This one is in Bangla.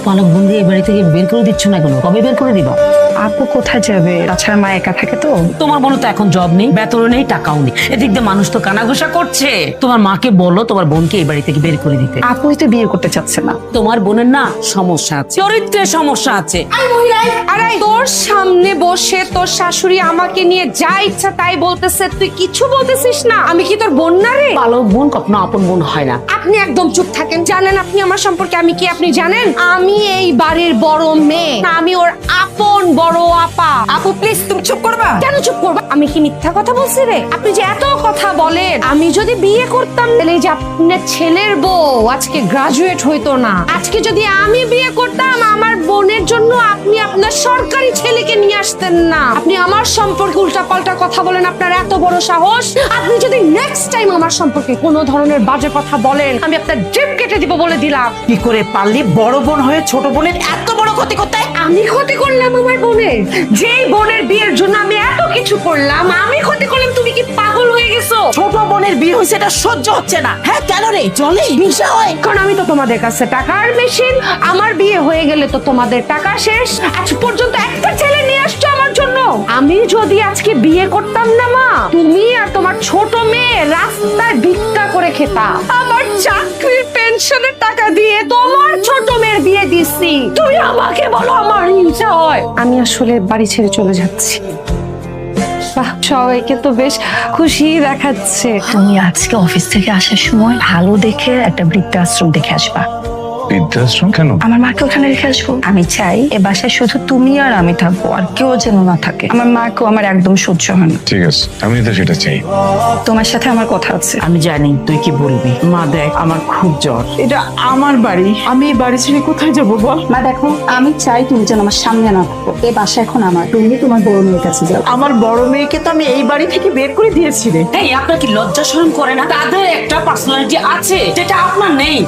পালক বন্ধু এই বাড়ি থেকে বের করে দিচ্ছ না কেন? কবে বের করে দিবা? আপু কোথায় যাবে? তাছাড়া মা একা থাকে তো। তোমার বোন তো এখন জব নেই, বেতনও নেই, টাকাও নেই। এদিক দিয়ে মানুষ তো কানাঘুষা করছে। তোমার মাকে বলো তোমার বোনকে এই বাড়ি থেকে বের করে দিতে। আপুই তো বিয়ে করতে চাচ্ছে না। তোমার বোনের না সমস্যা আছে, চরিত্রের সমস্যা আছে। আরে তোর সামনে বসে তোর শাশুড়ি আমাকে নিয়ে যা ইচ্ছা তাই বলতেছে, তুই কিছু বলতেছিস না? আমি কি তোর বোন না রে? পালক বোন কখনো আপন বোন হয় না। আপনি একদম চুপ থাকেন। জানেন আপনি আমার সম্পর্কে আমি কি আপনি জানেন? আমি এই বাড়ির বড় মেয়ে না, আমি ওর আপন বড় আপা। আপু প্লিজ তুমি চুপ করবা। কেন চুপ করবা? আমি কি মিথ্যা কথা বলছি রে? আপনি যে এত কথা বলেন, আমি যদি বিয়ে করতাম তাহলে এই যে আপনার ছেলের বউ আজকে গ্রাজুয়েট হইতো না। আজকে যদি আমি বিয়ে করতাম আমার বোনের জন্য আপনি আপনার সরকারি ছেলেকে নিয়ে আসতেন না। আপনি আমার সম্পর্কে উল্টাপাল্টা কথা বলেন, আপনার এত বড় সাহস। আপনি যদি নেক্সট টাইম আমার সম্পর্কে কোনো ধরনের বাজে কথা বলেন, আমি আপনার জিভ কেটে দিব বলে দিলাম। কি করে পারলি বড় বোন হয়ে ছোট বোনের এত বড় ক্ষতি করতে? আমি ক্ষতি করলাম আমার বোনের? যেই বোনের বিয়ের জন্য আমি এত কিছু করলাম, আমি ক্ষতি করলাম? তুমি কি পাগল হয়ে গেছো? ছোট বোনের বিয়ে হয়েছে, এটা সহ্য হচ্ছে না। হ্যাঁ কেন রে, চলে হিংসা হয়? কারণ আমি তো তোমাদের কাছে টাকার মেশিন। আমার বিয়ে হয়ে গেলে তো তোমাদের টাকা শেষ। আজ পর্যন্ত একটা ছেলে নিয়ে আসছো আমার জন্য। আমি যদি আজকে বিয়ে করতাম না মা, তুমি আর তোমার ছোট মেয়ে রাস্তায় ভিক্ষা করে খেতা। আমার চাকরির পেনশনের টাকা দিয়ে তোমার ছোট মেয়ের বিয়ে দিছি। তুমি আমাকে বলো আমার হিংসা হয়? আমি আসলে বাড়ি ছেড়ে চলে যাচ্ছি। বাহ, সবাইকে তো বেশ খুশি দেখাচ্ছে। তুমি আজকে অফিস থেকে আসার সময় ভালো দেখে একটা বৃদ্ধাশ্রম দেখে আসবা। বৃদ্ধাশ্রম কেন? আমার মাকে ওখানে রেখে আসবো। আমি চাই এ বাসায় শুধু তুমি আর আমি থাকবো, আর কেউ যেন না থাকে। আমার মাকেও আমার একদম সহ্য হয় না। ঠিক আছে, আমি তো সেটা চাই। তোমার সাথে আমার কথা আছে। আমি জানি তুই কি বলবি। মা দেখ, আমার খুব জ্বর। এটা আমার বাড়ি, আমি এই বাড়ি ছেড়ে কোথায় যাবো বল? মা দেখো, আমি চাই তুমি যেন আমার সামনে না থাকো। এই বাসা এখন আমার, তুমি তোমার বড় মেয়ের কাছে যাও। আমার বড় মেয়েকে তো আমি এই বাড়ি থেকে বের করে দিয়েছি রে। এই আপনার কি লজ্জা শরম করে না? তাদের একটা পার্সোনালিটি আছে যেটা আপনার নেই।